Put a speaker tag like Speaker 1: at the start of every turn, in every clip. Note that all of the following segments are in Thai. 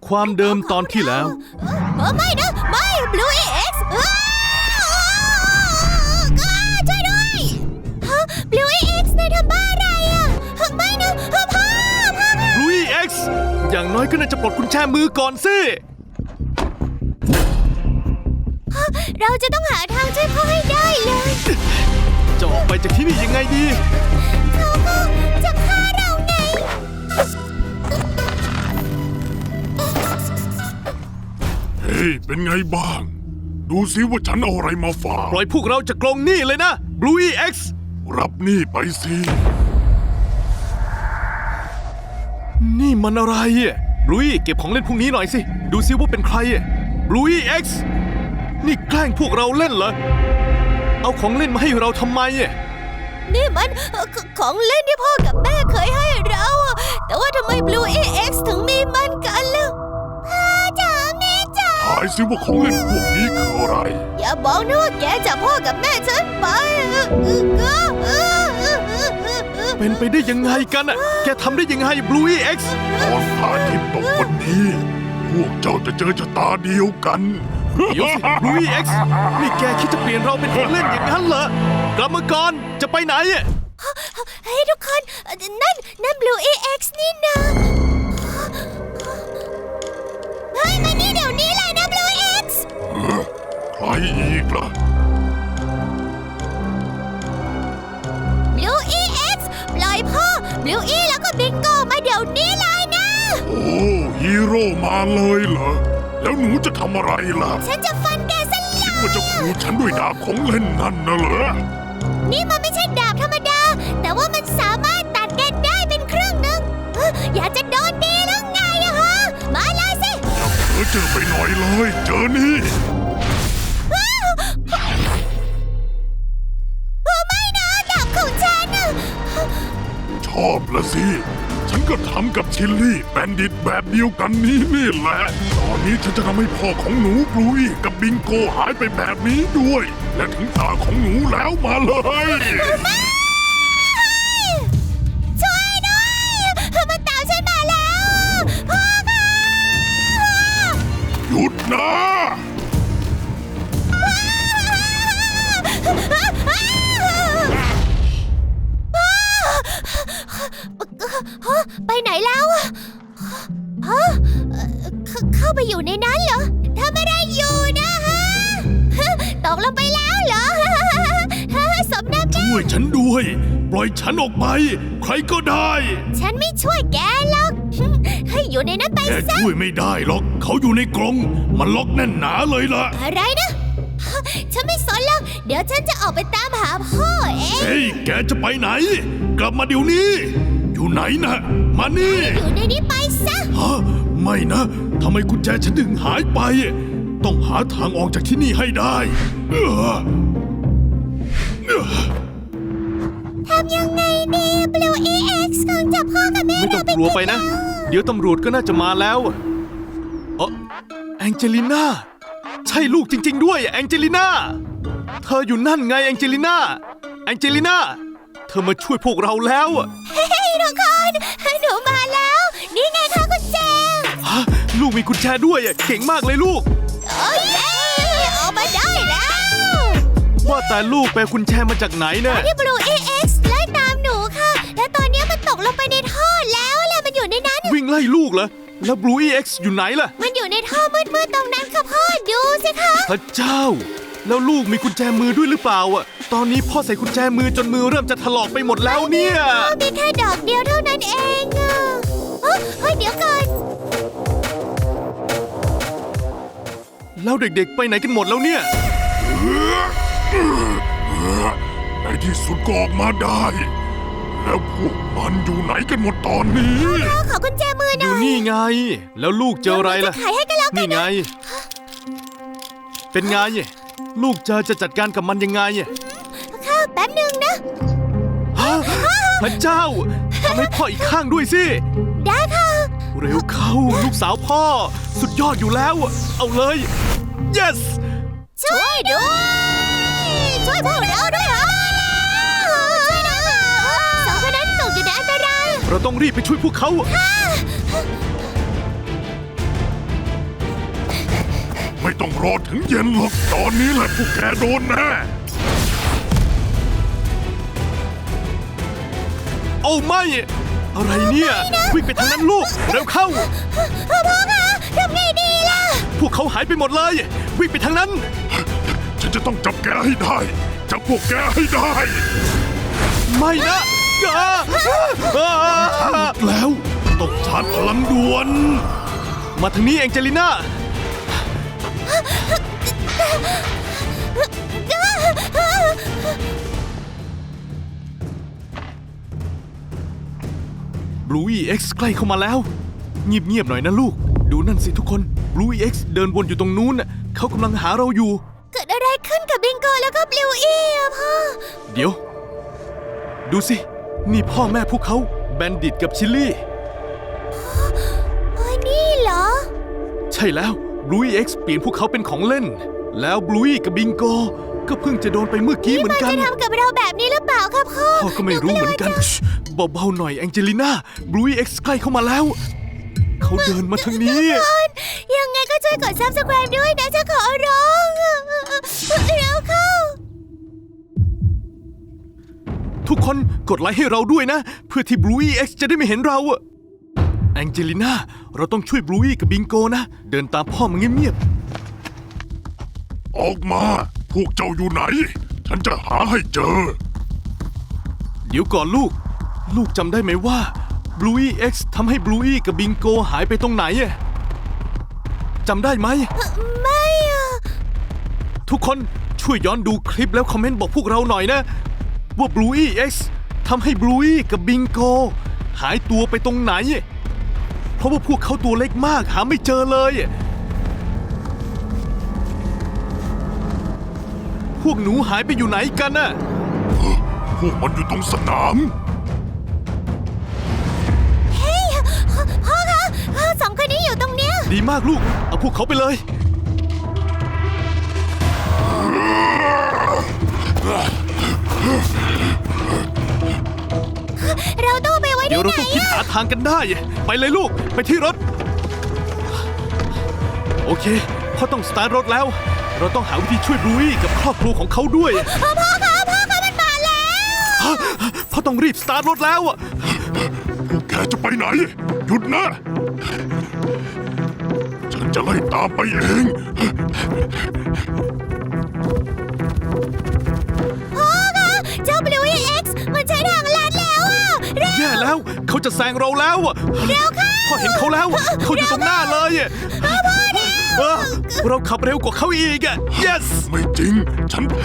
Speaker 1: ความเดิมตอนที่แล้ว
Speaker 2: ไม่นะไม่ Blue EX ช่วยด้วย Blue EX นายทำบ้าอะไรอ่ะไม่นะพ่อ
Speaker 1: Blue EX อย่างน้อยก็น่าจะปลดกุญแจมือก่อนสิ
Speaker 2: เราจะต้องหาทางช่วยพ่อให้ได้เลย
Speaker 1: จะออกไปจากที่นี่ยังไงดี
Speaker 2: เขาก็จะฆ่าเราไง
Speaker 3: เฮ้ยเป็นไงบ้างดูสิว่าฉันเอาอะไรมาฝาก
Speaker 1: ปล่อยพวกเราจากกรงหนี้เลยนะ Blue EX
Speaker 3: รับหนี้ไปสิ
Speaker 1: นี่มันอะไรอ่ะ Blue เก็บของเล่นพวกนี้หน่อยสิดูสิว่าเป็นใครอ่ะ Blue EX นี่แกล้งพวกเราเล่นเหรอเอาของเล่นมาให้เราทำไมอ่ะ
Speaker 2: นี่มันของเล่นที่พ่อกับแม่เคยให้เราแต่ว่าทำไม Blue EX ถึงมีมันกันล่ะพ่อจ๋าแม่จ๋า
Speaker 3: ทายสิว่าของเล่นพวกนี้คืออะไร
Speaker 2: อย่าบอกนะว่าแกจับพ่อกับแม่ฉันไป
Speaker 1: เป็นไปได้ยังไงกันอ่ะแกทำได้ยังไง Blue EX
Speaker 3: ตอนพระอาทิตย์ตกวันนี้พวกเจ้าจะเจอชะตาเดียวกัน
Speaker 1: เดี๋ยวสิ Blue EX นี่แกคิดจะเปลี่ยนเราเป็นของเล่นอย่างนั้นเหรอกลับมาก่อนจะไปไหนอ่ะ
Speaker 2: เฮ้ยทุกคนนั่น Blue EX นี่นะเฮ้ยมานี่เดี๋ยวนี้เลยนะ Blue EX
Speaker 3: ใครอีกล่ะ
Speaker 2: Blue EX ปล่อยพ่อ Blue E แล้วก็บิงโกมาเดี๋ยวนี้เลยนะ
Speaker 3: โอ้ฮีโร่มาเลยเหรอแล้วหนูจะทำอะไรล่ะ
Speaker 2: ฉันจะฟันแกซะเลย
Speaker 3: คิดว่าจะขู่ฉันด้วยดาบของเล่นนั่นนะเหรอ
Speaker 2: นี่มันไม่ใช่ดาบธรรมดาแต่ว่ามันสามารถตัดแกได้เป็นครึ่งหนึ่งอยากจะโดนดีหรือไงอะฮะมาเลยสิ
Speaker 3: อย่าเผลอเจอไปหน่อยเลยเจอนี่
Speaker 2: ไม่นะดาบของฉัน
Speaker 3: ชอบละสิฉันก็ทำกับชิลลี่แบนดิตแบบเดียวกันนี่แหละตอนนี้ฉันจะทำให้พ่อของหนูบลูอี้กับบิงโกหายไปแบบนี้ด้วยและถึงตาของหนูแล้วมาเลย
Speaker 2: ช่วยด้วยมันตามฉันมาแล้วพ่อค่ะ
Speaker 3: หยุดนะ
Speaker 2: ไปไหนแล้วเข้าไปอยู่ในนั้นเหรอทำอะไรอยู่นะฮะตกลงไปแล้วเหรอสมน้ำหน้า
Speaker 1: ช่วยฉันด้วยปล่อยฉันออกไปใครก็ได้
Speaker 2: ฉันไม่ช่วยแกหรอกให้อยู่ในนั้นไป
Speaker 1: ซะแกช่วยไม่ได้หรอกเขาอยู่ในกรงมันล็อกแน่นหนาเลยล่ะ
Speaker 2: อะไรนะฉันไม่สนหรอกเดี๋ยวฉันจะออกไปตามหาพ่อเอง
Speaker 1: เฮ้ยแกจะไปไหนกลับมาเดี๋ยวนี้อยู่ไหนนะมานี่
Speaker 2: อยู่ในนี้ไปซะ
Speaker 1: ฮะไม่นะทำไมกุญแจฉันถึงหายไปต้องหาทางออกจากที่นี่ให้ได้
Speaker 2: ทำยังไงดี Blue EX คงจับพ่อกับแม่
Speaker 1: ไม่ต้องกลัวไปนะเดี๋ยวตำรวจก็น่าจะมาแล้วแองเจลิน่าใช่ลูกจริงๆด้วยแองเจลิน่าเธออยู่นั่นไงแองเจลิน่าเธอมาช่วยพวกเราแล้ว
Speaker 2: เฮ้ยทุกคนหนูมาแล้วนี่ไงคะกุญแจ
Speaker 1: ลูกมีกุญแจด้วยเก่งมากเลยลูก
Speaker 2: โอ้ยออกมาได้แล้ว
Speaker 1: ว่าแต่ลูกไปกุญแจมาจากไหนเนี่ย
Speaker 2: ที่ Blue EX ไล่ตามหนูค่ะและตอนนี้มันตกลงไปในท่อแล้วแหละมันอยู่ในนั้น
Speaker 1: วิ่งไล่ลูกเหรอแล้ว Blue EX อยู่ไหนล่ะ
Speaker 2: มันอยู่ในท่อมืดๆตรงนั้นค่ะพ่อดูสิคะ
Speaker 1: พระเจ้าแล้วลูกมีกุญแจมือด้วยหรือเปล่าตอนนี้พ่อใส่กุญแจมือจนมือเริ่มจะถลอกไปหมดแล้วเนี่ย
Speaker 2: มีแค่ดอกเดียวเท่านั้นเองเฮ้ยเดี๋ยวก่อน
Speaker 1: แล้วเด็กๆไปไหนกันหมดแล้วเนี่ย
Speaker 3: ในที่สุดก็ออกมาได้แล้วพวกมันอยู่ไหนกันหมดตอนนี้
Speaker 2: ขอกุญแจมือหน่อย
Speaker 1: อยู่นี่ไงแล้วลูกเจออะไรล่ะ
Speaker 2: ขายให้กันแล้วกัน
Speaker 1: นี่ไงเป็นไงลูกจะจัดการกับมันยังไง
Speaker 2: ค่ะแป๊บนึงนะ
Speaker 1: พระเจ้าทำให้พ่ออีกข้างด้วยสิ
Speaker 2: ได้ค่ะ
Speaker 1: เร็วเข้าลูกสาวพ่อสุดยอดอยู่แล้วเอาเลย yes
Speaker 2: ช่วยด้วยช่วยพวกเราด้วยช่วยด้วยสองคนนั้นตกอยู่ในอันตราย
Speaker 1: เราต้องรีบไปช่วยพวกเขา
Speaker 3: ต้องรอถึงเย็นหรอกตอนนี้แหละพวกแกโดนแน่
Speaker 1: โอ้ไม่ อะไรเนี่ยวิ่งไปทางนั้นลูกเร็วเข้า
Speaker 2: พ่อคะทำไงดีล่ะ
Speaker 1: พวกเขาหายไปหมดเลยวิ่งไปทางนั้น
Speaker 3: ฉันจะต้องจับแกให้ได้จับพวกแกให้ได้
Speaker 1: ไม่นะแล้วต้องชาร์จพลังด่วน มาทางนี้แองเจลิน่าบลูอีเอ็กซ์ใกล้เข้ามาแล้วเงียบๆหน่อยนะลูกดูนั่นสิทุกคนบลูอีเอ็กซ์เดินวนอยู่ตรงนู้นน่ะเขากำลังหาเราอยู่
Speaker 2: เกิดอะไรขึ้นกับบิงโกแล้วก็บลิวอี้อะพ่อ
Speaker 1: เดี๋ยว ดูสิ นี่พ่อแม่พวกเขาแบนดิตกับชิลลี่
Speaker 2: เฮ้ยนี่เหรอ
Speaker 1: ใช่แล้วบลูอีเอ็กซ์เปลี่ยนพวกเขาเป็นของเล่น แล้วบลูอีกับบิงโกก็เพิ่งจะโดนไปเมื่อกี้เหมือนกัน
Speaker 2: จะทำกับเราแบบนี้หรือเปล่าครับพ่อ
Speaker 1: พ่อก็ไม่รู้เหมือนกันเบาๆหน่อยแองเจลิน่าบลูอีเอ็กซ์ใกล้เข้ามาแล้ว เขาเดินมาทางนี้
Speaker 2: ยังไงก็ช่วยกด subscribe ด้วยนะจะขอร้องเร็วเข้า
Speaker 1: ทุกคนกดไลค์ให้เราด้วยนะ เพื่อที่บลูอีเอ็กซ์จะได้ไม่เห็นเราอะแองเจลิน่าเราต้องช่วยบลูอีกับบิงโกนะ เดินตามพ่อมาเงียบ
Speaker 3: ออกมาพวกเจ้าอยู่ไหน ฉันจะหาให้เจอ
Speaker 1: ๆเดี๋ยวก่อนลูกจำได้ไหมว่าบลูอีเอ็กซ์ทำให้บลูอีกับบิงโกหายไปตรงไหนอะจำได้ไหม
Speaker 2: ไม่อะ
Speaker 1: ทุกคนช่วยย้อนดูคลิปแล้วคอมเมนต์บอกพวกเราหน่อยนะว่า Blue EX ทำให้ Blue E กับ Bingo หายตัวไปตรงไหน เพราะว่าพวกเขาตัวเล็กมากหาไม่เจอเลย พวกหนูหายไปอยู่ไหนกันน่ะ
Speaker 3: พวกมันอยู่ตรงสนาม
Speaker 2: เฮ้ยพ่อคะสองคนนี้อยู่ตรงเนี้ย
Speaker 1: ดีมากลูก เอาพวกเขาไปเลย
Speaker 2: เราต้องไปไว้
Speaker 1: เดี๋ยว
Speaker 2: ที่
Speaker 1: เรา
Speaker 2: ไหน
Speaker 1: ต้องคิด
Speaker 2: อะ
Speaker 1: หาทางกันได้ ไปเลยลูก ไปที่รถ โอเคพ่อต้องสตาร์ทรถแล้ว เราต้องหาวิธีช่วยบลูอี้กับครอบครัวของเขาด้วย
Speaker 2: พ่อคะมันมาแล้ว
Speaker 1: พ่อต้องรีบสตาร์ทรถแล้วอะ
Speaker 3: พวกแกจะไปไหน หยุดนะ ฉันจะไล่ตามไปเอง
Speaker 2: พ่อคะเจ้า Blue EX มันใช้ทางลัดแล้วอะเร็ว
Speaker 1: แย่แล้วเขาจะแซงเราแล้วอะ
Speaker 2: เร็วเข้า
Speaker 1: พ่อเห็นเขาแล้ว เขาอยู่ตรงหน้าเลยอะเออเราขับเร็วกว่าเขาอีกอะ yes
Speaker 3: ไม่จริง ฉันแพ้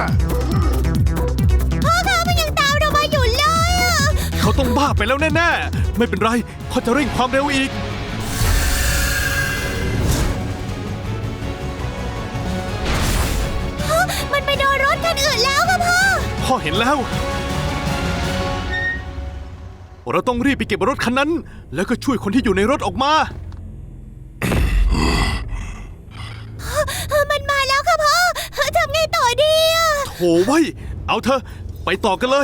Speaker 2: พ่อคะมันยังตามเรามาอยู่เลยอะ
Speaker 1: เขาต้องบ้าไปแล้วแน่ๆ ไม่เป็นไรพ่อจะเร่งความเร็วอีก
Speaker 2: มันไปโดนรถคันอื่นแล้วค่ะพ่อ
Speaker 1: พ่อเห็นแล้ว เราต้องรีบไปเก็บรถคันนั้น แล้วก็ช่วยคนที่อยู่ในรถออกมา
Speaker 2: มันมาแล้วค่ะพ่อทำไงต่อดีอะ
Speaker 1: โถไว้ยเอาเถอะไปต่อกันเลย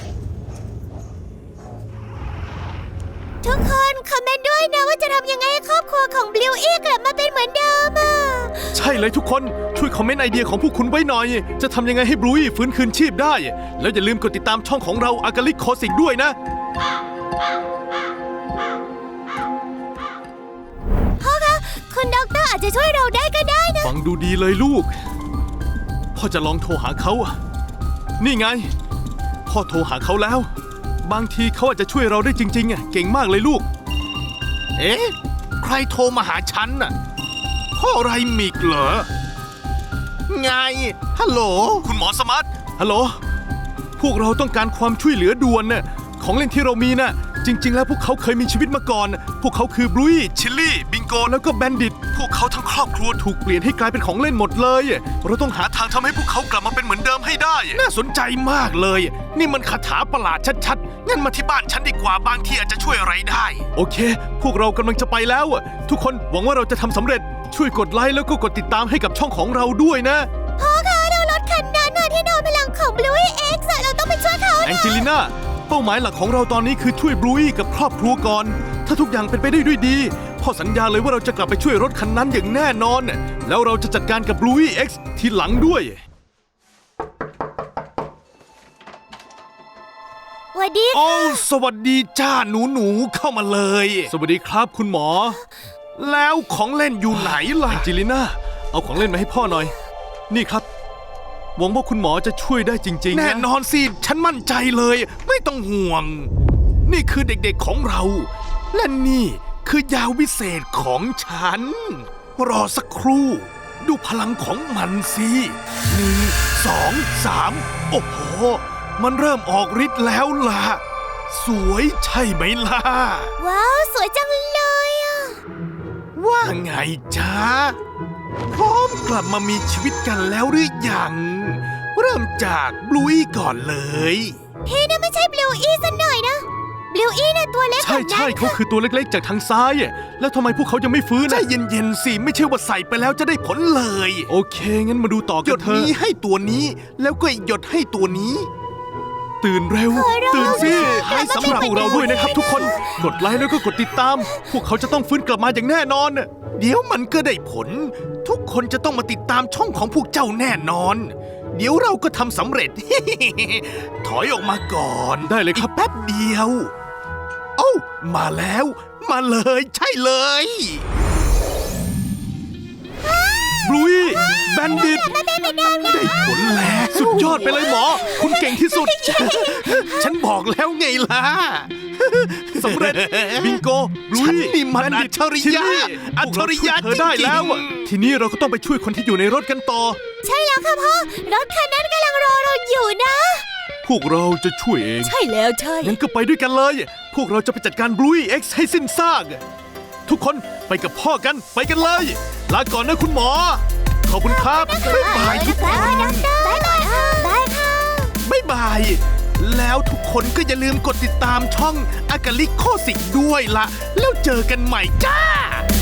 Speaker 2: ทุกคนคอมเมนต์ด้วยนะว่าจะทำยังไงให้ครอบครัวของ Blue E กลับมาเป็นเหมือนเดิมอะ
Speaker 1: ใช่เลยทุกคนช่วยคอมเมนต์ไอเดียของพวกคุณไว้หน่อย จะทำยังไงให้บลูอี้ฟื้นคืนชีพได้ แล้วอย่าลืมกดติดตามช่องของเราอากาลิกโคสิกด้วยนะ
Speaker 2: พ่อคะคุณด็อกเตอร์อาจจะช่วยเราได้ก็ได้นะ
Speaker 1: ฟังดูดีเลยลูก พ่อจะลองโทรหาเขาอะนี่ไง พ่อโทรหาเขาแล้ว บางทีเขาอาจจะช่วยเราได้จริงๆอะเก่งมากเลยลูก เอ๊ะ ใครโทรมาหาฉันน่ะ พ่อไรมิกเหรอ ไง ฮัลโหล คุณหมอสมัตฮัลโหล พวกเราต้องการความช่วยเหลือด่วนน่ะ ของเล่นที่เรามีน่ะ จริง ๆ แล้วพวกเขาเคยมีชีวิตมาก่อน พวกเขาคือบลูอี้ชิลลี่ บิงโก แล้วก็แบนดิต พวกเขาทั้งครอบครัวถูกเปลี่ยนให้กลายเป็นของเล่นหมดเลย เราต้องหาทางทำให้พวกเขากลับมาเป็นเหมือนเดิมให้ได้ น่าสนใจมากเลย นี่มันคาถาประหลาดชัดๆ งั้นมาที่บ้านฉันดีกว่า บางทีอาจจะช่วยอะไรได้ โอเค พวกเรากำลังจะไปแล้ว ทุกคนหวังว่าเราจะทำสำเร็จ ช่วยกดไลค์แล้วก็กดติดตามให้กับช่องของเราด้วยนะ
Speaker 2: พ่อคะเรารถคันนั้นน่ะที่โดนพลังของ Blue EX อะเราต้องไปช่วยเขา
Speaker 1: แอง
Speaker 2: นะ
Speaker 1: เจลิน่าเป้าหมายหลักของเราตอนนี้คือช่วยบลูอี้กับครอบครัวก่อน ถ้าทุกอย่างเป็นไปได้ด้วยดี พพ่อสัญญาเลยว่าเราจะกลับไปช่วยรถคันนั้นอย่างแน่นอนแล้วเราจะจัดการกับ Bluey X ทีหลังด้วย
Speaker 2: สวัสดี
Speaker 1: โอ้สวัสดีจ้าหนูเข้ามาเลย สวัสดีครับคุณหมอ แล้วของเล่นอยู่ไหนล่ะจิลิน่าเอาของเล่นมาให้พ่อหน่อย นี่ครับหวังว่าคุณหมอจะช่วยได้จริงๆแน่นอนสิฉันมั่นใจเลย ไม่ต้องห่วง นี่คือเด็กๆของเรา และนี่คือยาวิเศษของฉัน รอสักครู่ ดูพลังของมันสิ1 2 3 โอ้โห มันเริ่มออกฤทธิ์แล้วล่ะ สวยใช่ไหมล่ะ
Speaker 2: ว้าวสวยจังเลยอ่ะ
Speaker 1: ว่าไงจ๊ะ พร้อมกลับมามีชีวิตกันแล้วหรือยัง เริ่มจากบลูอี้ก่อนเลย
Speaker 2: พี่น่ะไม่ใช่บลูอี้ซะหน่อยนะบลูอี้น่ะตัวเล็กกว่านั้น
Speaker 1: ใช่เขาคือตัวเล็กๆจากทางซ้าย แล้วทำไมพวกเขายังไม่ฟื้นใจเย็นๆสิไม่ใช่ว่าใส่ไปแล้วจะได้ผลเลย โอเค งั้นมาดูต่อกันเถอะหยดนี้ให้ตัวนี้ แล้วก็หยดให้ตัวนี้ ตื่นเร็ว ตื่นสิให้สำหรับพวกเราด้วยนะครับทุกคน กดไลค์แล้วก็กดติดตาม พวกเขาจะต้องฟื้นกลับมาอย่างแน่นอน เดี๋ยวมันก็ได้ผล ทุกคนจะต้องมาติดตามช่องของพวกเจ้าแน่นอน เดี๋ยวเราก็ทำสำเร็จ ถอยออกมาก่อนได้เลยครับแป๊บเดียว โอ้ามาแล้ว มาเลยใช่เลยบลุยแบนดิตได้ผลแล้วสุดยอดไปเลยหมอ คุณเก่งที่สุด ฉันบอกแล้วไงล่ะสำเร็จบิงโกบลุยนี่มันอัจฉริยะอัจฉริยะเธอได้แล้วอะทีนี้เราก็ต้องไปช่วยคนที่อยู่ในรถกันต่อ
Speaker 2: ใช่แล้วค่ะพ่อ รถคันนั้นกำลังรอเราอยู่นะ
Speaker 1: พวกเราจะช่วยเอง
Speaker 2: ใช่แล้วใช่
Speaker 1: งั้นก็ไปด้วยกันเลย พวกเราจะไปจัดการ Bluey X ให้สิ้นซาก ทุกคนไปกับพ่อกัน ไปกันเลย ลาก่อนนะคุณหมอ ขอบคุณครับ บ๊ายบายทุกคน
Speaker 2: บ๊ายบายค่ะบ๊ายค่ะ
Speaker 1: บ๊ายบาย แล้วทุกคนก็อย่าลืมกดติดตามช่องอากาลิโคสิกด้วยละ แล้วเจอกันใหม่จ้า